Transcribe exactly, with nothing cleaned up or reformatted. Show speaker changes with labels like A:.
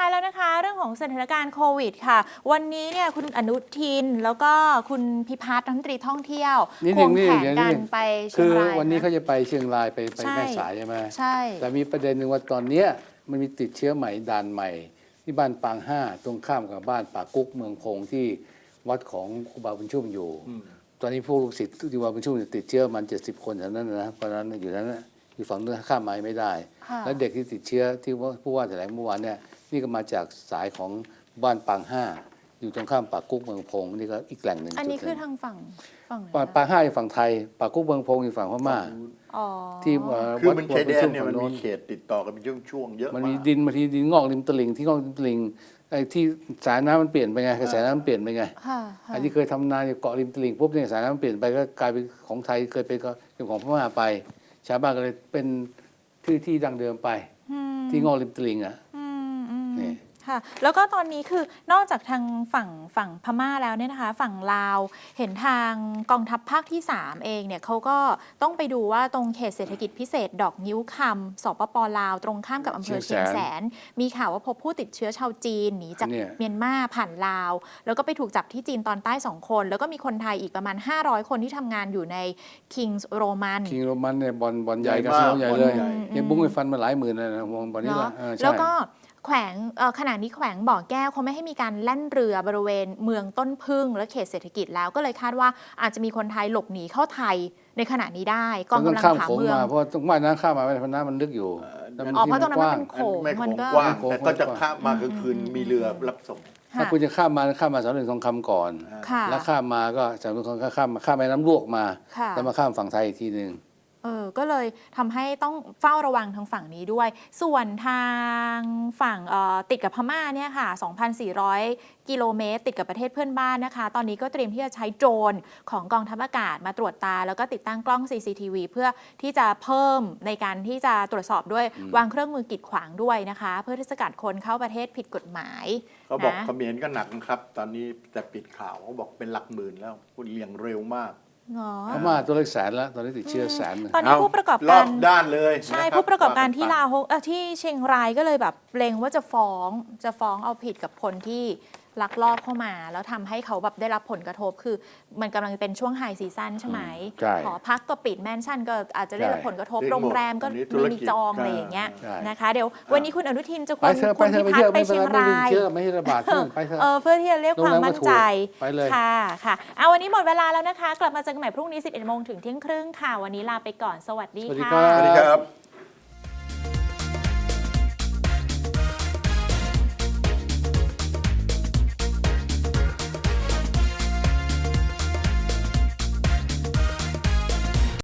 A: ท้ายแล้วนะคะเรื่องของสถานการณ์โควิดค่ะวันนี้เนี่ยคุณอนุทินแล้วก็คุณพิพัฒน์รัฐมนตรีท่องเที่ยวควงแขนกันไปเชียงราย
B: คือวันนี้เขาจะไปเชียงรายไปไปแม่สายใช่ไหม
A: ใช่
B: แต่มีประเด็นหนึ่งว่าตอนนี้มันมีติดเชื้อใหม่ด่านใหม่ที่บ้านปางห้าตรงข้ามกับบ้านป่ากุ๊กเมืองพงที่วัดของครูบาบุญชุ่มอยู่ตอนนี้ผู้ลูกศิษย์ที่ครูบาบุญชุ่มติดเชื้อมันเจ็ดสิบคนแถวนั้นนะเพราะฉะนั้นอยู่นั้นอยู่ฝั่งนู้นข้ามมาไม่ได้และเด็กที่ติดเชื้อที่ผู้ว่าแถลงเมื่อวานเนี่ยนี่ก็มาจากสายของบ้านปางห้าอยู่ตรงข้ามป่ากุ๊กเมืองพงนี่ก็อีกแหล่งหนึ่ง
A: อันนี้คือทางฝั่งฝั่ง
B: ปางห้าอยู่ฝั่งไทยป่ากุ๊กเมืองพงอยู่ฝั่งพม่า
A: ที่
C: คือมันชายแดนเนี่ยมันมีเขตติดต่อกันเป็นช่วงๆเยอะ
B: มันมีดินบางทีดินงอกริมตลิ่งที่งอกริมตลิ่งไอ้ที่สายน้ำมันเปลี่ยนไปไงกระแสน้ำมันเปลี่ยนไปไงอันที่เคยทำนาอยู่เกาะริมตลิ่งปุ๊บเนี่ยสายน้ำมันเปลี่ยนไปก็กลายเป็นของไทยเคยเป็นของพม่าไปชาวบ้านก็เลยเป็นที่ที่ดังเดิมไปที่งอกริมตลิ่งอ่ะนี่
A: ค่ะแล้วก็ตอนนี้คือนอกจากทางฝั่งฝั่งพม่าแล้วเนี่ยนะคะฝั่งลาวเห็นทางกองทัพภาคที่สามเองเนี่ยเขาก็ต้องไปดูว่าตรงเขตเศรษฐกิจพิเศษดอกนิ้วคำสปปลาวตรงข้ามกับอำเภอเชียงแสนมีข่าวว่าพบผู้ติดเชื้อชาวจีนหนีจากเมียนมาผ่านลาวแล้วก็ไปถูกจับที่จีนตอนใต้สองคนแล้วก็มีคนไทยอีกประมาณห้าร้อยคนที่ทำงานอยู่ใน Kings Roman
B: Kings Roman เนี่ยบอลบอลใหญ่กระซิบใหญ่เลยยังบุ้งไปฟันมาหลายหมื่นเลยนะมองบอลนี้ละ
A: แล้วก็แขวงขณะนี้แขวงบ่อแก้วเขาไม่ให้มีการแล่นเรือบริเวณเมืองต้นพึ่งและเขตเศรษฐกิจแล้วก็เลยคาดว่าอาจจะมีคนไทยหลบหนีเข้าไทยในขณะนี้ได้กองกำลังผาเมือง
B: เพราะต้องว่ายน้ำข้ามมาเพราะน้ำมันลึกอยู่
A: อ๋อเพราะตรงนั้นมันเป็นโขง
C: มันก็กว้างแต่ก็จะข้ามมากลางคืนมีเรือรับส่ง
B: ถ้าคุณจะข้ามมาข้ามมาสามเหลี่ยมทองคำก่อนแล้วข้ามมาก็สามเหลี่ยมทองคำข้ามมาข้ามแม่น้ำลวกมาแล้วมาข้ามฝั่งไทยอีกทีนึง
A: เออก็เลยทำให้ต้องเฝ้าระวังทางฝั่งนี้ด้วยส่วนทางฝั่งติดกับพม่าเนี่ยค่ะ สองพันสี่ร้อย กิโลเมตรติดกับประเทศเพื่อนบ้านนะคะตอนนี้ก็เตรียมที่จะใช้โดรนของกองทัพอากาศมาตรวจตาแล้วก็ติดตั้งกล้อง ซี ซี ที วี เพื่อที่จะเพิ่มในการที่จะตรวจสอบด้วยวางเครื่องมือกีดขวางด้วยนะคะเพื่อที่จะสกัดคนเข้าประเทศผิดกฎหมาย
C: เขาบอกเขมรก็หนักนะครับตอนนี้แต่ปิดข่าวเขาบอกเป็นหลักหมื่นแล้วคุณเลี้ยงเร็วมาก
B: พม่าตัวเลขแสนแล้วตอนนี้ติดเชื้อแสน
A: ตอนนี้ผู้ประกอบการ
C: ด้านเลย
A: ใช่ผู้ประกอบการที่ลาวที่เชียงรายก็เลยแบบเล็งว่าจะฟ้องจะฟ้องเอาผิดกับคนที่ลักลอบเข้ามาแล้วทำให้เขาแบบได้รับผลกระทบคือมันกำลังเป็นช่วงไฮซีซั่นใช่ไหมหอพักก็ปิดแมนชั่นก็อาจจะได้รับผลกระทบโรงแรมก็ไม่มีจองอะไรอย่างเงี้ยนะคะเดี๋ยววันนี้คุณอนุทินจะควรคุณพิพัฒน์ไปเชียงราย
B: ไม่ให้ระบาดไปเถอะ
A: เพื่อที่จะเรียกความมั่นใจค่ะค่ะเอาวันนี้หมดเวลาแล้วนะคะกลับมาเจอกันใหม่พรุ่งนี้สิบเอ็ดโมงถึงเที่ยงครึ่งค่ะวันนี้ลาไปก่อนสวัสดีค่ะ
C: สวัสดีครับ